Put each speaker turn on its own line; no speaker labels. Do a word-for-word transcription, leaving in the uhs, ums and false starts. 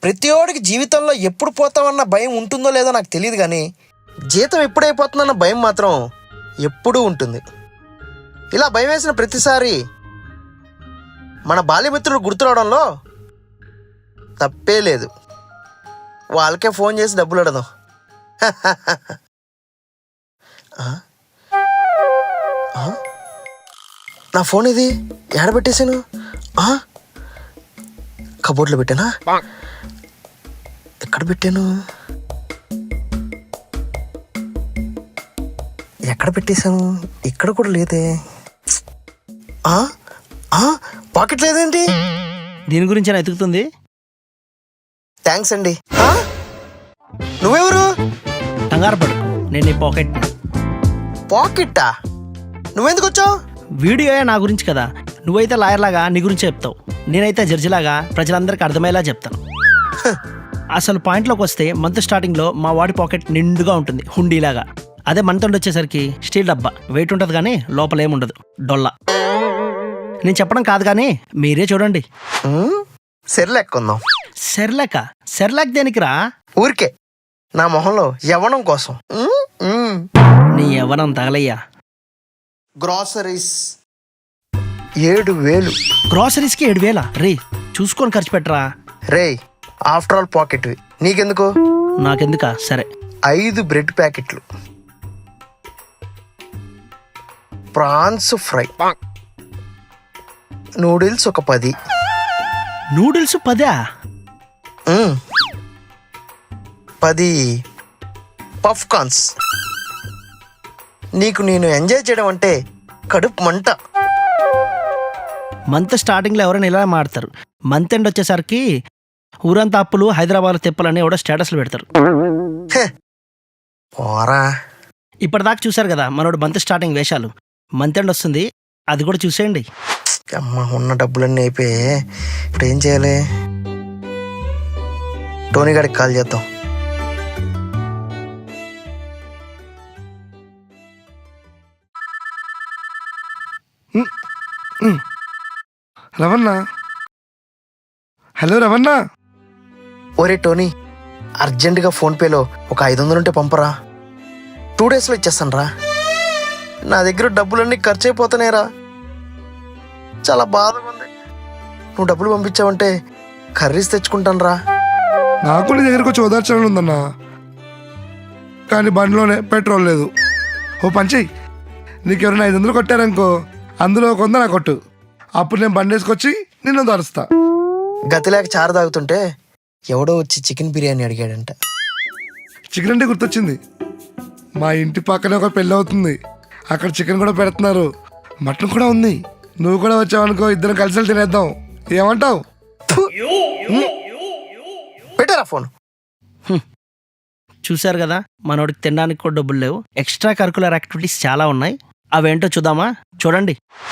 ప్రతి ఓడికి జీవితంలో ఎప్పుడు పోతామన్న భయం ఉంటుందో లేదో నాకు తెలియదు, కానీ జీతం ఎప్పుడైపోతుందన్న భయం మాత్రం ఎప్పుడూ ఉంటుంది. ఇలా భయం వేసిన ప్రతిసారి మన బాల్యమిత్రులు గుర్తురావడంలో తప్పే లేదు. వాళ్ళకే ఫోన్ చేసి డబ్బులు అడదాం. నా ఫోన్ ఇది ఎక్కడ పెట్టేశాను? కబోర్డ్లో పెట్టానా? ఎక్కడ పెట్టాను? ఎక్కడ పెట్టేశాను? ఇక్కడ కూడా లేదే. పాకెట్ లేదేంటి?
దీని గురించి ఎతుకుతుంది.
థ్యాంక్స్ అండి. నువ్వెవరు?
కంగారు పడు, నేను నీ పాకెట్.
పాకెట్టా? నువ్వెందుకు వచ్చావు?
వీడియో నా గురించి కదా, నువ్వైతే లాయర్ లాగా నీ గురించి చెప్తావు, నేనైతే జడ్జిలాగా ప్రజలందరికీ అర్థమయ్యేలా చెప్తాను. అసలు పాయింట్లోకి వస్తే మంత్ స్టార్టింగ్లో మా వాడి పాకెట్ నిండుగా ఉంటుంది, హుండీలాగా. అదే మంత్ ఎండ్ వచ్చేసరికి స్టీల్ డబ్బా, వెయిట్ ఉంటుంది కానీ లోపల ఏముండదు, డొల్లా. నేను చెప్పడం కాదు కానీ మీరే చూడండి.
సెర్లాక్ కొందాం.
సెర్లాక? సెర్లాక్ దేనికిరా?
ఊరికే నా మొహంలో యవ్వనం కోసం.
నీ యవ్వనం తగలయ్యా.
గ్రాసరీస్ ఏడు వేలు.
గ్రాసరీస్కి ఏడు వేలా? రే చూసుకొని ఖర్చు పెట్టరా.
రే ఆఫ్టర్ ఆల్ పాకెట్, నీకెందుకు?
నాకెందుకా? సరే.
ఐదు బ్రెడ్ ప్యాకెట్లు, ప్రాన్స్ ఫ్రై, నూడిల్స్ ఒక పది.
నూడిల్స్ పదా?
పది పఫ్ కార్న్స్. నీకు నేను ఎంజాయ్ చేయడం అంటే కడుపు మంట.
మంత్ స్టార్టింగ్లో ఎవరైనా ఇలా మాడతారు, మంత్ ఎండ్ వచ్చేసరికి ఊరంతా అప్పులు, హైదరాబాద్ తిప్పలని ఎవడో స్టేటస్లు పెడతారు.
పోరా.
ఇప్పటిదాకా చూశారు కదా మనోడు మంత్ స్టార్టింగ్ వేషాలు. మంత్ ఎండ్ వస్తుంది, అది కూడా చూసేయండి.
అమ్మ, ఉన్న డబ్బులన్నీ అయిపోయి ఇప్పుడు ఏం చేయాలి? టోనీ గారికి కాల్ చేద్దాం.
రవణ. హలో రవణ.
ఒరే టోనీ, అర్జెంటుగా ఫోన్పేలో ఒక ఐదు వందలు ఉంటే పంపరా. టూ డేస్లో ఇచ్చేస్తాను రా. నా దగ్గర డబ్బులన్నీ ఖర్చు అయిపోతున్నాయిరా. చాలా బాధగా ఉంది. నువ్వు డబ్బులు పంపించావంటే కర్రీస్ తెచ్చుకుంటాను రా.
నాకు నీ దగ్గరకు వచ్చి ఓదార్చాలని ఉందన్నా, కానీ బండిలోనే పెట్రోల్ లేదు. ఓ పంచేయి, నీకెవరైనా ఐదు వందలు కొట్టారనుకో, అందులో ఒక వంద నాకు కొట్టు. అప్పుడు నేను బండి వేసుకొచ్చి నిన్ను దరుస్తా.
గతిలేక చారు తాగుతుంటే ఎవడో వచ్చి చికెన్ బిర్యానీ అడిగాడంట.
చికెన్ అంటే గుర్తొచ్చింది, మా ఇంటి పక్కనే ఒక పెళ్ళి అవుతుంది, అక్కడ చికెన్ కూడా పెడుతున్నారు, మటన్ కూడా ఉంది. నువ్వు కూడా వచ్చావనుకో, ఇద్దరం కలిసి తినేద్దాం. ఏమంటావు?
పెట్టారా ఫోన్?
చూశారు కదా మనోడికి తినడానికి కూడా డబ్బులు లేవు. ఎక్స్ట్రా కరికులర్ యాక్టివిటీస్ చాలా ఉన్నాయి, అవేంటో చూద్దామా? చూడండి.